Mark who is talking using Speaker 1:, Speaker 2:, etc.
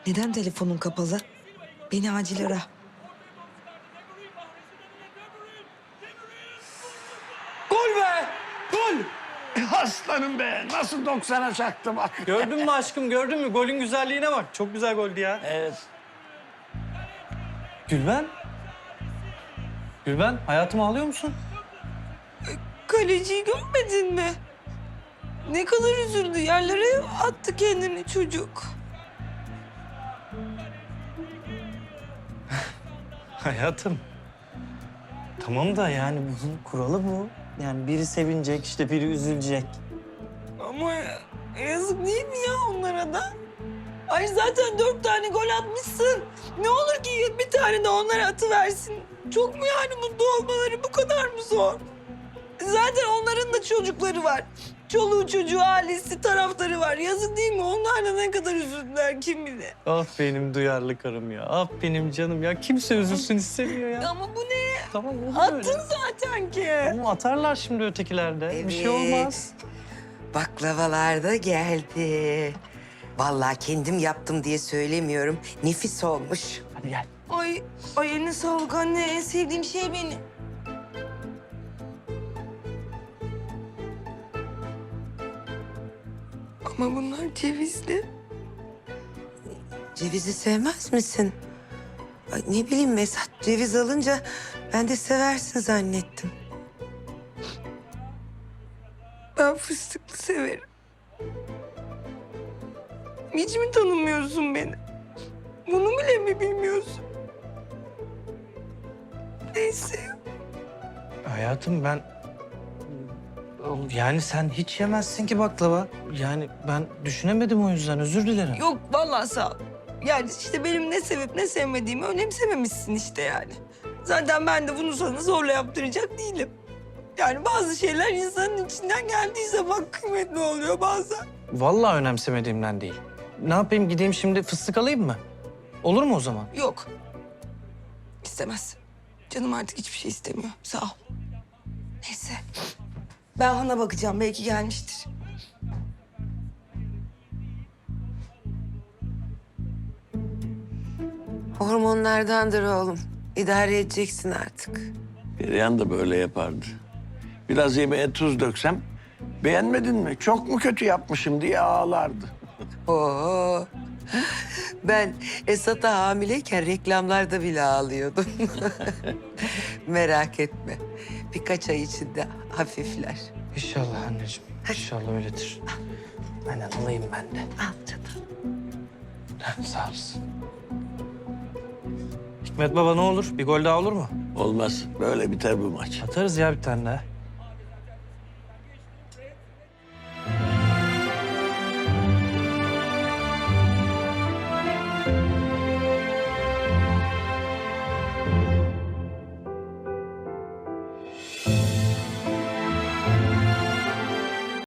Speaker 1: Neden telefonun kapalı? Beni acil ara.
Speaker 2: Gol be! Gol!
Speaker 3: Aslanım be, nasıl 90'a çaktı bak.
Speaker 2: Gördün mü aşkım, gördün mü? Golün güzelliğine bak. Çok güzel goldü ya.
Speaker 3: Evet.
Speaker 2: Gülben? Gülben, hayatım ağlıyor musun?
Speaker 1: Kaleciyi görmedin mi? Ne kadar üzüldü. Yerlere attı kendini çocuk.
Speaker 2: Hayatım. Tamam da yani bunun kuralı bu. Yani biri sevinecek, işte biri üzülecek.
Speaker 1: Ama yazık değil mi ya onlara da? Ay zaten 4 tane gol atmışsın. Ne olur ki bir tane de onlara atıversin. Çok mu yani mutlu olmaları bu kadar mı zor? Zaten onların da çocukları var. Çoluğu çocuğu, ailesi, taraftarı var. Yazık değil mi? Onlar da ne kadar üzüldüler kim bilir.
Speaker 2: Ah benim duyarlı karım ya. Ah benim canım ya. Kimse üzülsün istemiyor ya.
Speaker 1: Ama bu ne?
Speaker 2: Tamam olur
Speaker 1: Attın
Speaker 2: öyle.
Speaker 1: zaten ki.
Speaker 2: Ama atarlar şimdi ötekilerde. Bir şey olmaz.
Speaker 4: Baklavalar da geldi. Vallahi kendim yaptım diye söylemiyorum. Nefis olmuş.
Speaker 2: Hadi gel.
Speaker 1: Ay eline sağlık anne. En sevdiğim şey benim. Ama bunlar cevizli.
Speaker 4: Cevizi sevmez misin? Ay, ne bileyim Mesut, ceviz alınca ben de seversin zannettim.
Speaker 1: Ben fıstıklı severim. Hiç mi tanımıyorsun beni? Bunu bile mi bilmiyorsun? Neyse.
Speaker 2: Hayatım ben... Yani sen hiç yemezsin ki baklava. Yani ben düşünemedim o yüzden. Özür dilerim.
Speaker 1: Yok vallahi sağ ol. Yani işte benim ne sevip ne sevmediğimi önemsememişsin işte yani. Zaten ben de bunu sana zorla yaptıracak değilim. Yani bazı şeyler insanın içinden geldiği zaman kıymetli oluyor bazen.
Speaker 2: Vallahi önemsemediğimden değil. Ne yapayım gideyim şimdi fıstık alayım mı? Olur mu o zaman?
Speaker 1: Yok. İstemez. Canım artık hiçbir şey istemiyor. Sağ ol. Neyse. Ben Han'a bakacağım. Belki gelmiştir.
Speaker 4: Hormonlardandır oğlum. İdare edeceksin artık.
Speaker 3: Perihan da böyle yapardı. Biraz yemeğe tuz döksem, beğenmedin mi? Çok mu kötü yapmışım diye ağlardı.
Speaker 4: Oo. Ben Esat'a hamileyken reklamlarda bile ağlıyordum. Merak etme. Birkaç ay içinde hafifler.
Speaker 2: İnşallah anneciğim. İnşallah öyledir. Aynen alayım ben de.
Speaker 4: Al canım.
Speaker 2: Sağ olasın. Hikmet baba ne olur? Bir gol daha olur mu?
Speaker 3: Olmaz, böyle biter bu maç.
Speaker 2: Atarız ya bir tane daha.